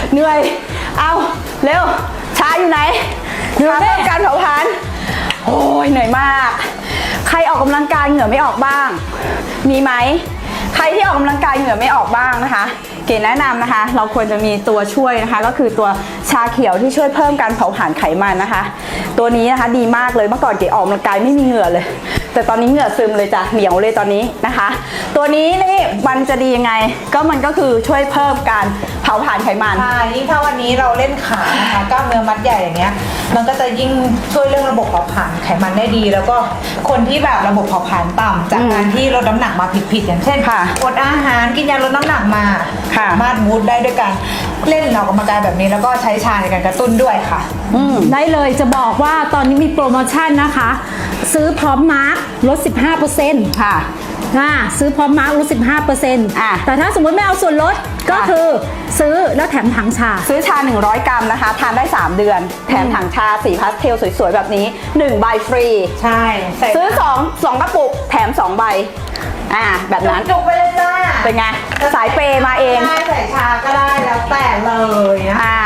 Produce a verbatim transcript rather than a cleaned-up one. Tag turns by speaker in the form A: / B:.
A: เหนื่อยเอาเร็วชาอยู่ไหนชาเพิ่มการเผาผลาญโอ้ยเหนื่อยมากใครออกกำลังกายเหงื่อไม่ออกบ้างมีไหมใครที่ออกกำลังกายเหงื่อไม่ออกบ้างนะคะเก๋แนะนำนะคะเราควรจะมีตัวช่วยนะคะก็คือตัวชาเขียวที่ช่วยเพิ่มการเผาผลาญไขมันนะคะตัวนี้นะคะดีมากเลยเมื่อก่อนเก๋ออกกำลังกายไม่มีเหงื่อเลยแต่ตอนนี้เหงื่อซึมเลยจ้ะเหนียวเลยตอนนี้นะคะตัวนี้นี่มันจะดียังไงก็มันก็คือช่วยเพิ่มการเผาผลาญไขมัน
B: ใช่ยิ่งถ้าวันนี้เราเล่นขานะคะกล้ามเนื้อมัดใหญ่อย่างเงี้ยมันก็จะยิ่งช่วยเรื่องระบบเผาผลาญไขมันได้ดี แล้วก็คนที่แบบระบบเผาผลาญต่ำจากการที่ลดน้ำหนักมาผิดๆอย่างเช่นอดอาหารกินยาลดน้ำหนักมาสามารถมูดได้ด้วยการเล่นออกกำลังกายแบบนี้แล้วก็ใช้ชาในการกระตุ้นด้วยค่ะ
C: ได้เลยจะบอกว่าตอนนี้มีโปรโมชั่นนะคะซื้อพร้อมมาร์คลด สิบห้าเปอร์เซ็นต์
A: ค่ะ
C: อ่าซื้อพร้อมมาร์คลด สิบห้าเปอร์เซ็นต์
A: อ่ะ
C: แต่ถ้าสมมติไม่เอาส่วนลดก็คือซื้อแล้วแถมถังชา
A: ซื้อชาหนึ่งร้อยกรัมนะคะทานได้สามเดือนแถมถังชาสีพาสเทลสวยๆแบบนี้หนึ่งใบฟรี
B: ใช่
A: ซื้อสอง สองกระปุกแถมสองใบอ่าแบบนั้น
B: จุกไปเลยจ้า
A: เป็นไงสายเปย์มาเอง
B: ได้ใส่ชาก็ได้แล้วแต่เลยนะ
A: อ่า